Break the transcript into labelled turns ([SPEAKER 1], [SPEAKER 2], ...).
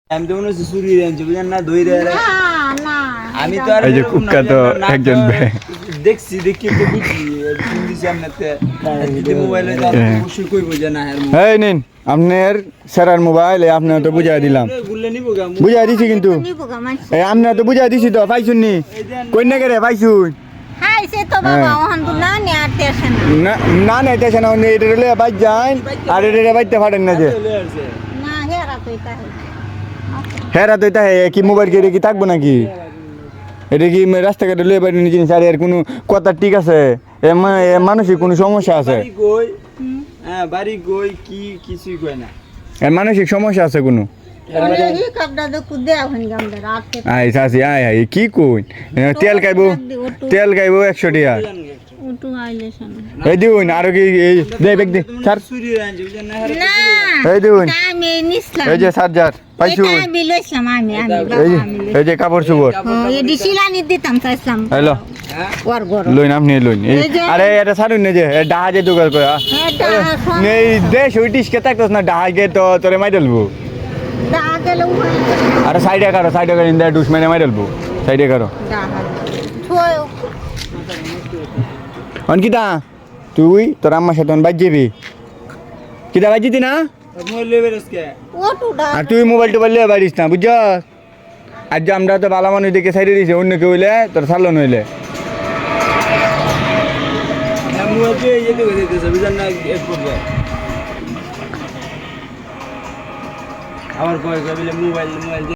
[SPEAKER 1] আমি তো মনে হচ্ছে চুরি আনছি বুঝলেন না দই রে আমি তো আর
[SPEAKER 2] এই যে কুক্কা তো একজন
[SPEAKER 1] দেখছি দেখি তো বুঝছি ফোন দিছি আপনাতে যদি মোবাইলে অবশ্যই কইবো যে না
[SPEAKER 2] এই নিন আপনার স্যারের মোবাইল আপনার তো বুঝাই দিলাম
[SPEAKER 1] গুললে নিবো গা
[SPEAKER 2] বুঝাই দিছি কিন্তু এই আপনার তো বুঝাই দিছি তো পাইছুন নি কই না করে পাইছুন
[SPEAKER 3] হাইছে তো বাবা ওহন না নে আর তেছে না
[SPEAKER 2] না না এটা না এটা রেলে বাইক যান আর এটা বাইতে পারেন না যে
[SPEAKER 3] না হেরা কইতা
[SPEAKER 2] হেরা তো এটা কি মোবাইল কে কি থাকবো নাকি এটা কি রাস্তাঘাটে লয়ে বাড়ি নিয়ে জিনিস আর এর কোনো কথা ঠিক আছে মানসিক কোনো সমস্যা আছে
[SPEAKER 1] হ্যাঁ বাড়ি গই কি কিছুই কয় না
[SPEAKER 2] এর মানসিক সমস্যা আছে কোনো
[SPEAKER 3] হি কাপড়া তো কুদে আহন গামদা রাতে
[SPEAKER 2] আই সাসি আই কি কই তেল খাইবো 100 টাকা
[SPEAKER 3] উটু আইলেছেন
[SPEAKER 2] এই দিউন আর কি এই দে বেগ দে স্যার
[SPEAKER 1] চুরি আনছি বুঝলেন না
[SPEAKER 3] না
[SPEAKER 2] এই দিউন
[SPEAKER 3] আমি নিছলাম
[SPEAKER 2] এই যে চার্জার পাইছু
[SPEAKER 3] এটা আমি লইছলাম আমি
[SPEAKER 2] এই যে কাপড় চোপড়
[SPEAKER 3] এই ডিসিলানি দিতাম চাইছলাম
[SPEAKER 2] হ্যালো
[SPEAKER 3] ওর ঘর
[SPEAKER 2] লইন আপনি লইন আরে এটা ছাড়ুন না যে ডাহা যে দোকান করে নেই দেশ ওই টিসকে থাকতোস না ডাহা গে তো তোরে মাই দেলবো
[SPEAKER 3] ডাহা গেল
[SPEAKER 2] আরে সাইডে কারো ইন্দা ডুস মেরে মাই দেলবো সাইডে কারো
[SPEAKER 3] ডাহা থয়
[SPEAKER 2] অনকিতা তুই তোর আম্মার সাথে বাইক যাবি কিতা বাইক যেতি না
[SPEAKER 1] মোবাইল লেবে আজকে
[SPEAKER 3] ওটু ডাহা
[SPEAKER 2] আর তুই মোবাইল টোবাইল লিয়ে বাড়িস না বুঝছ আর যে আমরা তো ভালো মানুষ দেখে সাইডে দিছে অন্য কেউ হইলে তোর সারলো নইলে
[SPEAKER 1] মোবাইল দিয়ে যেতে যেতেছে বুঝলেন না এক পর্যায়ে আবার কয় কয় বলে মোবাইল